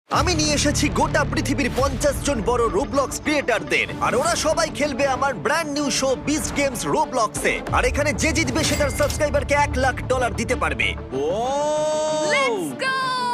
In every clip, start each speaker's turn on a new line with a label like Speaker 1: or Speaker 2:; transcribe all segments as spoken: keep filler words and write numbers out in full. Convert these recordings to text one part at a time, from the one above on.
Speaker 1: আমি নিয়ে এসেছি গোটা পৃথিবীর পঞ্চাশ জন বড় রোবলক্স ক্রিয়েটারদের, আর ওরা সবাই খেলবে আমার brand new show Beast games রোবলক্সে। আর এখানে যে জিতবে সে তার সাবস্ক্রাইবারকে এক লাখ ডলার দিতে পারবে।
Speaker 2: Let's go!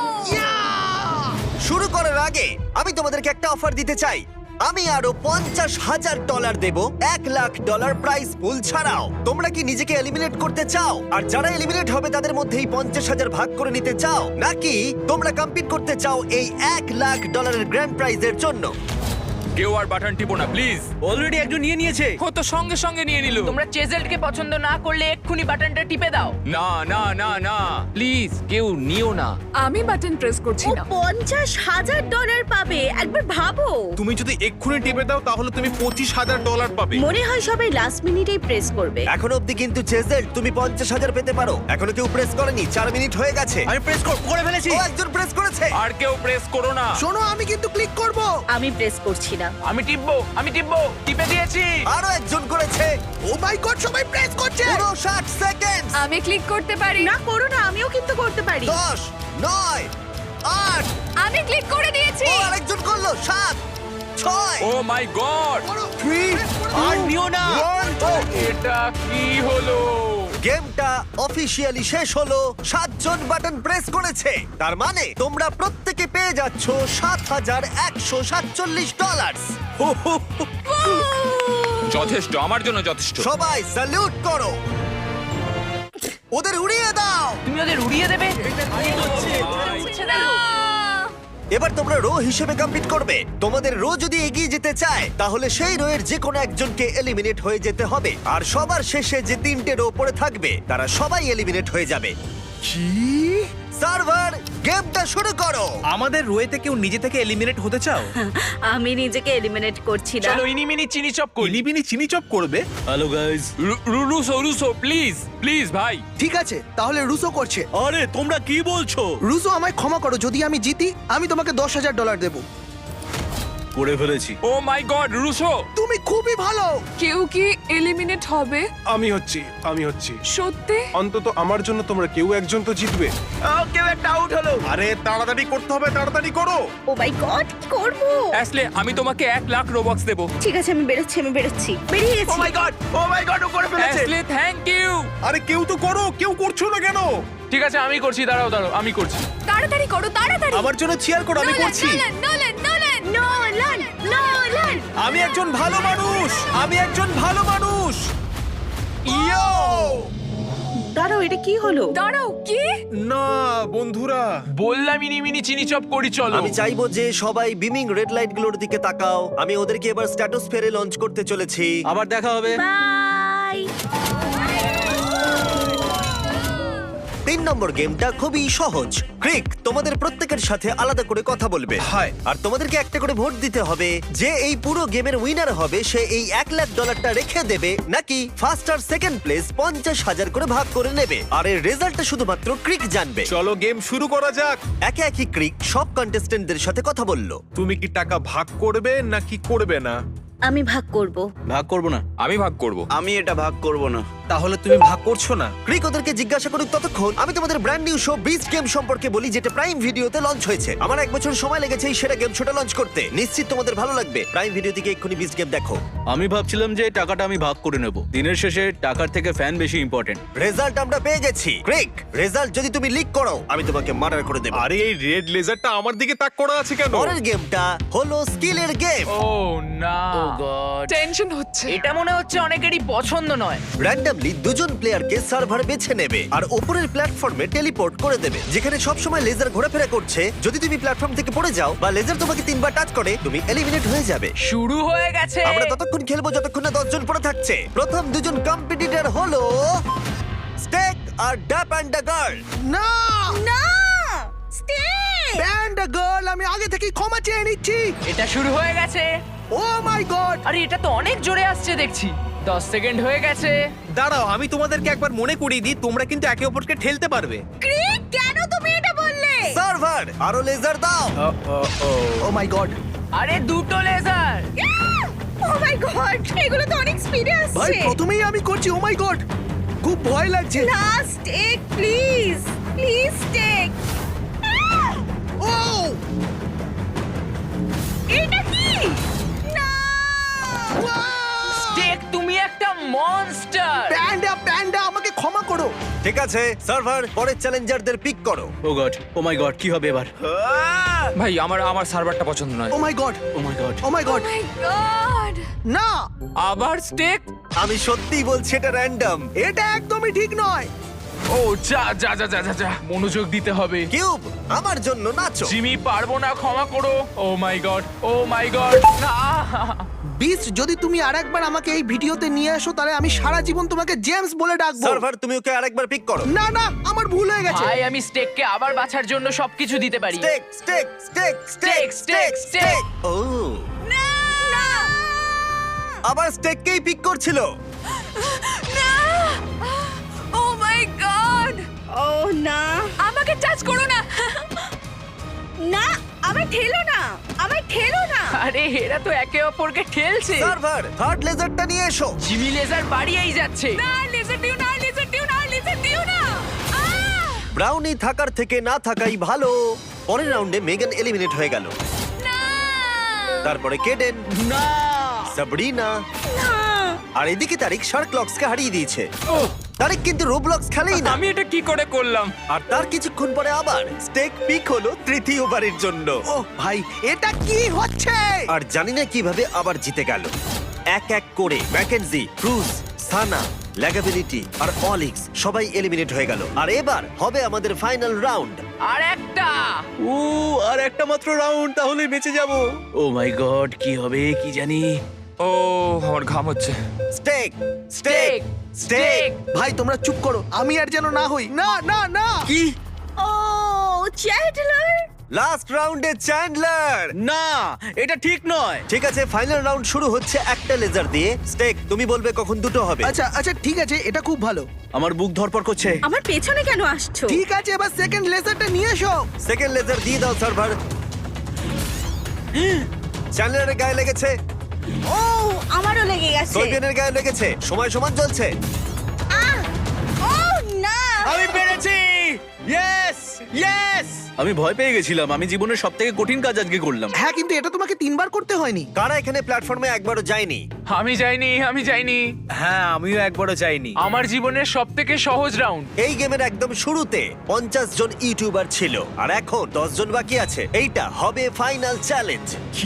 Speaker 1: শুরু করার আগে আমি তোমাদেরকে একটা অফার দিতে চাই। আমি আরো পঞ্চাশ হাজার ডলার দেব এক লাখ ডলার প্রাইস পুল ছাড়াও। তোমরা কি নিজেকে এলিমিনেট করতে চাও, আর যারা এলিমিনেট হবে তাদের মধ্যে এই পঞ্চাশ হাজার ভাগ করে নিতে চাও, নাকি তোমরা কম্পিট করতে চাও এই এক লাখ ডলারের গ্র্যান্ড প্রাইজের জন্য?
Speaker 3: কেউ আর বাটন টিপো না প্লিজ।
Speaker 4: অলরেডি একজন নিয়ে নিয়েছে।
Speaker 3: ও তো সঙ্গে সঙ্গে নিয়ে নিল।
Speaker 2: তোমরা চেজেল্টকে পছন্দ না করলে এক্ষুনি বাটনটা টিপে দাও।
Speaker 3: না না না না প্লিজ কেউ নিও না।
Speaker 5: আমি বাটন প্রেস করছি
Speaker 6: ও
Speaker 5: না।
Speaker 6: পঞ্চাশ হাজার ডলার পাবে, একবার ভাবো।
Speaker 4: তুমি যদি এক্ষুনি টিপে দাও তাহলে তুমি পঁচিশ হাজার ডলার পাবে।
Speaker 6: মনে হয় সবাই লাস্ট মিনিটেই প্রেস করবে।
Speaker 1: এখন অব্দি কিন্তু চেজেল তুমি পঞ্চাশ হাজার পেতে পারো। এখনো কেউ প্রেস করেনি, চার মিনিট হয়ে গেছে।
Speaker 4: আমি প্রেস করে ফেলেছি।
Speaker 1: ও একজন প্রেস করেছে।
Speaker 3: আর কেউ প্রেস করো না।
Speaker 4: শোনো, আমি কিন্তু ক্লিক করব।
Speaker 6: আমি প্রেস করছি না।
Speaker 3: আমি টিপবো আমি টিপবো টিপে দিয়েছি।
Speaker 1: আরো একজন করেছে।
Speaker 4: ও মাই গড, সবাই প্রেস করছে।
Speaker 1: পুরো ষাট সেকেন্ড।
Speaker 5: আমি ক্লিক করতে পারি।
Speaker 6: না করো না, আমিও কিন্তু করতে পারি।
Speaker 1: দশ, নয়, আট।
Speaker 5: আমি ক্লিক করে দিয়েছি।
Speaker 1: ও আরেকজন করলো। সাত, ছয়,
Speaker 3: ও মাই গড
Speaker 1: তিন,
Speaker 4: আর নিও না।
Speaker 3: এটা কি হলো?
Speaker 1: গেমটা অফিসিয়ালি শেষ হলো। সাতজন বাটন প্রেস করেছে, তার মানে তোমরা প্রত্যেকে পেয়ে যাচ্ছ সাত হাজার একশো সাতচল্লিশ ডলার।
Speaker 3: যথেষ্ট, আমার জন্য যথেষ্ট।
Speaker 1: সবাই স্যালুট করো, ওদের উড়িয়ে দাও।
Speaker 2: তুমি ওদের উড়িয়ে দেবে?
Speaker 5: উঠছে না।
Speaker 1: এবার তোমরা রো হিসেবে কমপ্লিট করবে। তোমাদের রো যদি এগিয়ে যেতে চায় তাহলে সেই রো এর যে কোনো একজনকে এলিমিনেট হয়ে যেতে হবে, আর সবার শেষে যে তিনটে রো পড়ে থাকবে তারা সবাই এলিমিনেট হয়ে যাবে।
Speaker 4: কি?
Speaker 1: সার্ভার, গেমটা শুরু করো।
Speaker 4: আমাদের রোয়েতে কেউ নিজে থেকে এলিমিনেট হতে চাও?
Speaker 6: আমি নিজেকে এলিমিনেট করছি না।
Speaker 3: চলো ইনি মিনি চিনি চপ করি।
Speaker 4: ইনিবিনি চিনি চপ করবে? Hello guys.
Speaker 3: রুরুসো রুসো প্লিজ প্লিজ ভাই।
Speaker 7: ঠিক আছে, তাহলে রুসো করছে।
Speaker 4: আরে তোমরা কি বলছো?
Speaker 7: রুসো, আমায় ক্ষমা করো, যদি আমি জিতি আমি তোমাকে দশ হাজার ডলার দেবো।
Speaker 4: করে ফেলেছি।
Speaker 3: ও মাই গড রুরুসো।
Speaker 7: তুমি খুবই ভালো।
Speaker 5: কেউ কি এলিমিনেট হবে?
Speaker 8: আমি হচ্ছি আমি হচ্ছি
Speaker 5: সত্যি?
Speaker 8: অন্তত আমার জন্য তোমরা কেউ একজন তো জিতবে।
Speaker 4: কেউ একটা আউট হলো। আরে তাড়াতাড়ি করতে হবে, তাড়াতাড়ি করো।
Speaker 6: ও মাই গড, কি করব?
Speaker 3: অ্যাসলে আমি তোমাকে এক লাখ রোবক্স দেবো।
Speaker 6: ঠিক আছে, আমি বেরোচ্ছি, আমি বেরোচ্ছি। বেরিয়ে
Speaker 4: ও
Speaker 6: গেছি।
Speaker 4: মাই গড, ও মাই গড, ও করে ফেলেছে।
Speaker 3: অ্যাসলে থ্যাংক ইউ।
Speaker 8: আরে কেউ তো করো, কেউ করছো না কেন?
Speaker 3: ঠিক আছে আমি করছি, দাঁড়াও দাঁড়াও আমি করছি।
Speaker 5: তাড়াতাড়ি করো, তাড়াতাড়ি।
Speaker 4: আমার জন্য চিয়ার করো, আমি করছি।
Speaker 5: Nolan, Nolan, Nolan.
Speaker 6: Nolan, Nolan.
Speaker 4: আমি একজন ভালো মানুষ, আমি একজন ভালো মানুষ। ইয়ো!
Speaker 6: দাঁড়াও, এটা কি হলো?
Speaker 5: দাঁড়াও, কি?
Speaker 8: না বন্ধুরা,
Speaker 3: বললাম ইনি মিনি চিনি চপ করি চলো।
Speaker 1: আমি চাইবো যে সবাই বিমিং রেড লাইট গুলোর দিকে তাকাও। আমি ওদেরকে এবার স্ট্র্যাটোস্ফিয়ারে লঞ্চ করতে চলেছি।
Speaker 4: আবার দেখা হবে।
Speaker 6: বাই।
Speaker 1: তিন নম্বর গেমটা খুবই সহজ। ক্রিক তোমাদের প্রত্যেকের সাথে আলাদা করে কথা বলবে।
Speaker 4: হাই।
Speaker 1: আর তোমাদেরকে একটা করে ভোট দিতে হবে যে এই পুরো গেমের উইনার হবে সে এই এক লাখ ডলারটা রেখে দেবে, নাকি ফার্স্ট আর সেকেন্ড প্লেস পঞ্চাশ হাজার করে ভাগ করে নেবে। আর এর রেজাল্টটা শুধুমাত্র ক্রিক জানবে।
Speaker 8: চলো গেম শুরু করা যাক।
Speaker 1: একে একে ক্রিক সব কন্টেস্টেন্টদের সাথে কথা বললো।
Speaker 8: তুমি কি টাকা ভাগ করবে নাকি করবে না?
Speaker 6: আমি ভাগ করব।
Speaker 4: ভাগ করব না।
Speaker 3: আমি ভাগ করব।
Speaker 4: আমি এটা ভাগ করব না। তাহলে তুমি ভাগ করছো না?
Speaker 1: ক্রিক ওদেরকে জিজ্ঞাসা করুক, ততক্ষণ আমি তোমাদের brand new show Beast game সম্পর্কে বলি, যেটা প্রাইম ভিডিওতে লঞ্চ হয়েছে। আমার এক বছর সময় লেগেছে এই সেরা গেম শোটা লঞ্চ করতে। নিশ্চিত তোমাদের ভালো লাগবে। প্রাইম ভিডিও থেকে এক্ষুনি বিস্ট গেম দেখো।
Speaker 9: আমি ভাবছিলাম যে টাকাটা আমি ভাগ করে নেব। দিনের শেষে টাকার থেকে ফ্যান বেশি ইম্পর্টেন্ট।
Speaker 1: রেজাল্ট আমরা পেয়ে গেছি। ক্রিক, রেজাল্ট যদি তুমি লিক করো আমি তোমাকে মার্ডার করে দেব।
Speaker 8: আরে এই রেড লেজারটা আমার দিকে তাক করা আছে কেন?
Speaker 1: পরের গেমটা হলো স্কিলের গেম।
Speaker 3: ও না
Speaker 4: ও গড।
Speaker 5: টেনশন হচ্ছে।
Speaker 2: এটা মনে হচ্ছে অনেকেরই পছন্দ নয়।
Speaker 1: র্যান্ডমলি দুজন প্লেয়ারকে সার্ভার বেছে নেবে আর উপরের প্ল্যাটফর্মে টেলিপোর্ট করে দেবে, যেখানে সবসময় লেজার ঘোরাফেরা করছে। যদি তুমি প্ল্যাটফর্ম থেকে পড়ে যাও বা লেজার তোমাকে তিনবার টাচ করে তুমি এলিমিনেট হয়ে যাবে।
Speaker 2: শুরু হয়ে গেছে।
Speaker 1: আমরা ততক্ষণ খেলবো যতক্ষণ না দশজন পড়ে থাকছে। প্রথম দুজন কম্পিটিটর হলো স্টেক আর ড্যাপ অ্যান্ড দ্য গার্ল।
Speaker 7: না,
Speaker 6: না, স্টে।
Speaker 7: ব্যান্ড গার্ল, আমি আগে থেকেই ক্ষমা চেয়ে নিচ্ছি।
Speaker 2: এটা শুরু হয়ে গেছে।
Speaker 7: Oh my god.
Speaker 2: আরে এটা তো অনেক জোরে আসছে দেখছি। দশ সেকেন্ড হয়ে গেছে।
Speaker 4: দাঁড়াও, আমি তোমাদেরকে একবার মনে করিয়ে দিই, তোমরা কিন্তু একে অপরকে ঠেলতে পারবে।
Speaker 6: ক্রিক, কেন তুমি এটা বললে?
Speaker 1: সার্ভার, আরো লেজার দাও।
Speaker 7: Oh my god.
Speaker 2: আরে দুটো লেজার।
Speaker 6: ও মাই গড, এগুলো তো অনেক স্পিডে
Speaker 7: ভাই
Speaker 6: আসছে।
Speaker 7: প্রথমেই আমি করছি। ও মাই গড, খুব ভয় লাগছে।
Speaker 6: লাস্ট এক প্লিজ, প্লিজ টেক।
Speaker 7: ও করো।
Speaker 1: ঠিক আছে সার্ভার, পরের চ্যালেঞ্জারদের পিক করো।
Speaker 9: ও গড, ও মাই গড, কি হবে এবার?
Speaker 3: ভাই আমার আমার সার্ভারটা পছন্দ নয়।
Speaker 7: Oh my god,
Speaker 9: oh my god.
Speaker 7: Oh my god,
Speaker 5: my god
Speaker 7: না,
Speaker 3: আবার স্টেক?
Speaker 1: আমি সত্যিই বলছি এটা র্যান্ডম।
Speaker 7: এটা একদমই ঠিক নয়।
Speaker 2: ও যা যা যা যা যা, যা মনোযোগ দিতে হবে।
Speaker 1: কিউব, আমার জন্য নাচো।
Speaker 2: জিমি পারবো না, ক্ষমা করো। Oh my god, oh my god, না।
Speaker 7: বিস্ট, যদি তুমি আরেকবার আমাকে এই ভিডিওতে নিয়ে আসো তাহলে আমি সারা জীবন তোমাকে জেমস বলে ডাকবো।
Speaker 1: সার্ভার, তুমি ওকে আরেকবার পিক করো।
Speaker 7: না না, আমার ভুল হয়ে গেছে।
Speaker 2: ভাই আমি স্টেককে আবার বাঁচার জন্য সবকিছু দিতে পারি।
Speaker 1: Steak Steak Steak Steak
Speaker 2: Steak,
Speaker 1: Steak
Speaker 2: steak,
Speaker 1: Steak.
Speaker 2: steak.
Speaker 1: Oh আবার স্টেককেই পিক করছিল।
Speaker 5: ও মাই গড
Speaker 6: ও না,
Speaker 5: আমাকে টাচ করো না
Speaker 6: না, আমায় ঠেলো না, আমায় ঠেলো না।
Speaker 2: আরে এরা তো একে অপরকে ঠেলছে।
Speaker 1: সার্ভার, থার্ড লেজারটা নিয়ে এসো।
Speaker 2: জিমি লেজার বাড়িয়েই যাচ্ছে।
Speaker 5: না লেজার দিও না লেজার দিও না লেজার দিও না আহ!
Speaker 1: ব্রাউনি থাকার থেকে না থাকাই ভালো। পরের রাউন্ডে মেগান এলিমিনেট হয়ে গেল।
Speaker 5: না
Speaker 1: তারপরে কেডেন,
Speaker 9: না,
Speaker 1: সাবরিনা, আর এদিকে তারিক শার্কলক্সকে হারিয়ে দিয়েছে। তারিক কিন্তু রোবলক্স খেলেই না।
Speaker 3: আমি এটা কি করে করলাম?
Speaker 1: আর তার কিছুক্ষণ পরে আবার স্টেক পিক হলো তৃতীয়বারের জন্য।
Speaker 7: ও ভাই, এটা কি হচ্ছে?
Speaker 1: আর জানি না কিভাবে আবার জিতে গেল। এক এক করে ম্যাকেনজি, ক্রুজ, সানা, ল্যাগাবিলিটি আর অলিক্স সবাই এলিমিনেট হয়ে গেল। আর এবার হবে আমাদের ফাইনাল রাউন্ড।
Speaker 2: আর একটা।
Speaker 9: ও আর একটা মাত্র রাউন্ড, তাহলে বেঁচে যাব। ও মাই গড, কি হবে কি জানি।
Speaker 3: ও আমার ঘাম হচ্ছে।
Speaker 1: Steak Steak Steak.
Speaker 7: ভাই তোমরা চুপ করো, আমি আর যেন না হই। না না না,
Speaker 9: কি?
Speaker 6: ও চ্যান্ডলার,
Speaker 1: লাস্ট রাউন্ডে চ্যান্ডলার।
Speaker 9: না, এটা ঠিক নয়।
Speaker 1: ঠিক আছে, ফাইনাল রাউন্ড শুরু হচ্ছে একটা লেজার দিয়ে। স্টেক, তুমি বলবে কখন দুটো হবে।
Speaker 7: আচ্ছা আচ্ছা ঠিক আছে, এটা খুব ভালো।
Speaker 9: আমার বুক ধরপড় করছে।
Speaker 6: আমার পেছনে কেন আসছো?
Speaker 7: ঠিক আছে, এবার সেকেন্ড লেজারটা নিয়ে এসো।
Speaker 1: সেকেন্ড লেজার দিয়ে দাও সার্ভার। চ্যান্ডলারের গায়ে লেগেছে,
Speaker 6: ও আমারও লেগে গেছে।
Speaker 1: সোলবিয়ানের গায়ে লেগেছে। সময় সমান চলছে।
Speaker 6: আহ! ও না,
Speaker 9: আমি পেরেছি! ইয়েস! ইয়েস! আমি ভয় পেয়ে গেছিলাম। আমি জীবনের সবথেকে কঠিন কাজ আজকে করলাম।
Speaker 7: হ্যাঁ, কিন্তু এটা তোমাকে তিনবার করতে হয়নি।
Speaker 1: কারা এখানে প্ল্যাটফর্মে একবারও যায়নি?
Speaker 2: আমি যাইনি, আমি যাইনি।
Speaker 4: হ্যাঁ, আমিও একবারও যাইনি।
Speaker 2: আমার জীবনের সব থেকে সহজ রাউন্ড।
Speaker 1: এই গেমের একদম শুরুতে পঞ্চাশ জন ইউটিউবার ছিল, আর এখন দশ জন বাকি আছে। এইটা হবে ফাইনাল চ্যালেঞ্জ।
Speaker 9: কি?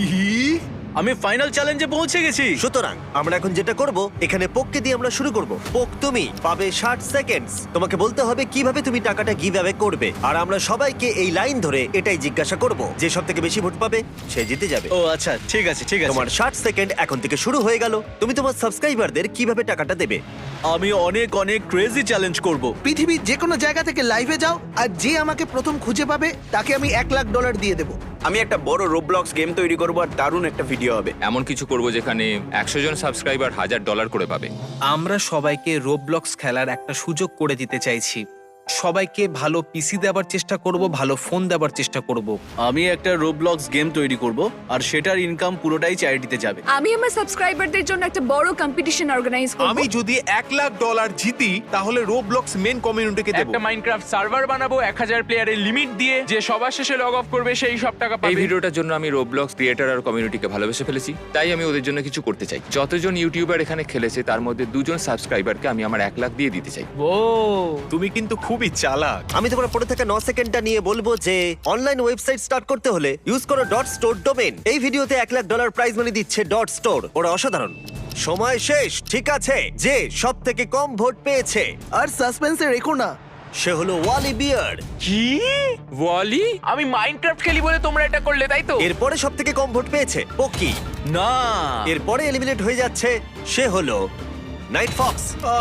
Speaker 9: আমি ফাইনাল চ্যালেঞ্জে পৌঁছে গেছি।
Speaker 1: সুতরাং আমরা এখন যেটা করব, এখানে পোককে দিয়ে আমরা শুরু করব। পোক, তুমি পাবে ষাট সেকেন্ডস। তোমাকে বলতে হবে কিভাবে তুমি টাকাটা গিভ অ্যাওয়ে করবে, আর আমরা সবাইকে এই লাইন ধরে এটাই জিজ্ঞাসা করব, যে সব থেকে বেশি ভোট পাবে সে জিতে যাবে।
Speaker 9: ও আচ্ছা, ঠিক আছে ঠিক আছে।
Speaker 1: তোমার ষাট সেকেন্ড এখন থেকে শুরু হয়ে গেল। তুমি তোমার সাবস্ক্রাইবারদের কিভাবে টাকাটা দেবে?
Speaker 9: আমি অনেক অনেক ক্রেজি চ্যালেঞ্জ করব।
Speaker 7: পৃথিবীর যে কোনো জায়গা থেকে লাইভে যাও, আর যে আমাকে প্রথম খুঁজে পাবে তাকে আমি এক লাখ ডলার দিয়ে দেবো।
Speaker 10: আমি একটা বড় রোবলক্স গেম তৈরি করবো আর দারুণ একটা ভিডিও হবে।
Speaker 3: এমন কিছু করব যেখানে একশো জন সাবস্ক্রাইবার হাজার ডলার করে পাবে।
Speaker 4: আমরা সবাইকে রোবলক্স খেলার একটা সুযোগ করে দিতে চাইছি। সবাইকে ভালো পিসি দেওয়ার চেষ্টা করব, ভালো ফোন দেওয়ার চেষ্টা করব।
Speaker 9: আমি একটা রোবলক্স গেম তৈরি করব আর সেটার ইনকাম পুরোটাই চ্যারিটিতে যাবে।
Speaker 5: আমি আমার সাবস্ক্রাইবারদের জন্য একটা বড় কম্পিটিশন অর্গানাইজ করব।
Speaker 8: আমি যদি এক লাখ ডলার জিতি তাহলে রোবলক্স মেন কমিউনিটিকে দেবো।
Speaker 2: একটা মাইনক্রাফট সার্ভার বানাবো এক হাজার প্লেয়ারের লিমিট দিয়ে, যে সবার শেষে লগ অফ করবে সেই সব টাকা
Speaker 3: এই
Speaker 2: পাবে।
Speaker 3: ভিডিওটার জন্য আমি রোবলক্স ক্রিয়েটর আর কমিউনিটিকে ভালোবেসে ফেলেছি, তাই আমি ওদের জন্য কিছু করতে চাই। যতজন ইউটিউবার এখানে খেলেছে তার মধ্যে দুজন সাবস্ক্রাইবারকে আমি আমার এক লাখ দিয়ে দিতে চাই।
Speaker 2: ও
Speaker 8: তুমি কিন্তু খুবই চালাক।
Speaker 1: আমি তোমার পরে থাকা ন সেকেন্ডটা নিয়ে বলবো যে অনলাইন ওয়েবসাইট স্টার্ট করতে হলে ইউজ করো ডট স্টোর ডোমেন। এই ভিডিওতে এক লাখ ডলার প্রাইজ মানি দিচ্ছে ডট স্টোর, ওরা অসাধারণ। সময় শেষ। ঠিক আছে, যে সব থেকে কম ভোট পেয়েছে
Speaker 7: আর সাসপেন্সে রেখো না।
Speaker 1: সে হলো ওয়ালি বিয়ার্ড।
Speaker 2: কি ওয়ালি? আমি মাইনক্রাফট খেলি বলে তোমরা এটা করলে, তাই তো?
Speaker 1: এরপরে সব থেকে কম ভোট পেয়েছে পোকি।
Speaker 9: না,
Speaker 1: এরপরে এলিমিনেট হয়ে যাচ্ছে, সে হলো নাইট ফক্স,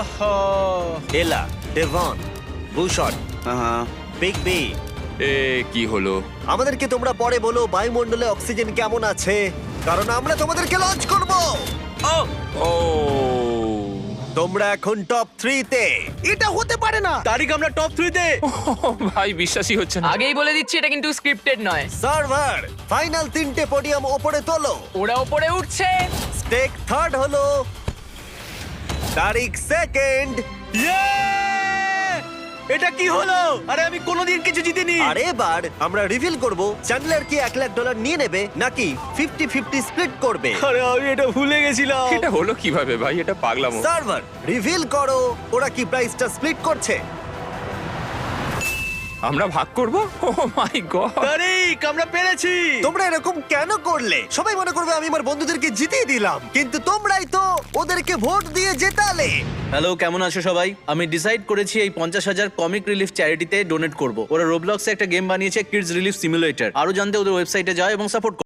Speaker 1: এলা, ডেভন, বুশট,
Speaker 10: হ্যাঁ,
Speaker 1: বিগ বি।
Speaker 3: এ কি হলো?
Speaker 1: আমাদেরকে তোমরা পরে বলো বায়ুমণ্ডলে অক্সিজেন কেমন আছে, কারণ আমরা তোমাদেরকে লঞ্চ করব।
Speaker 3: ও
Speaker 1: তোমরা এখন টপ থ্রিতে।
Speaker 7: এটা হতে পারে না।
Speaker 9: তারিখ আমরা টপ থ্রিতে।
Speaker 3: ভাই বিশ্বাসই হচ্ছে না।
Speaker 2: আগেই বলে দিচ্ছি এটা কিন্তু স্ক্রিপ্টেড নয়।
Speaker 1: সার্ভার, ফাইনাল তিনটে পোডিয়াম ওপরে তোলো।
Speaker 2: ওরা উপরে উঠছে।
Speaker 1: স্টেক থার্ড হলো, তারিক সেকেন্ড,
Speaker 9: এটা কি হলো? আরে আমি কোনোদিন কিছু জিতিনি।
Speaker 1: আর এবার আমরা রিভিল করব চ্যান্ডলার কি এক লাখ ডলার নিয়ে নেবে নাকি ফিফটি ফিফটি স্প্লিট করবে।
Speaker 9: আরে আমি এটা ভুলে গেছিলাম।
Speaker 3: এটা হলো কিভাবে ভাই? এটা পাগলামো।
Speaker 1: সার্ভার রিভিল করো ওরা কি প্রাইসটা স্প্লিট করছে।
Speaker 3: আমরা ভাগ করব? ও মাই গড!
Speaker 9: তারিক, আমরা পেরেছি।
Speaker 1: তোমরা এরকম কেন করলে? সবাই মনে করবে আমি আমার বন্ধুদেরকে জিতিয়ে দিলাম, কিন্তু তোমরাই তো ওদেরকে ভোট দিয়ে জেতালে।
Speaker 9: হ্যালো, কেমন আছো সবাই? আমি ডিসাইড করেছি এই পঞ্চাশ হাজার কমিক রিলিফ চ্যারিটিতে ডোনেট করব। ওরা রোবলক্সে একটা গেম বানিয়েছে, কিডস রিলিফ সিমুলেটর। আরো জানতে ওদের ওয়েবসাইটে যাও এবং সাপোর্ট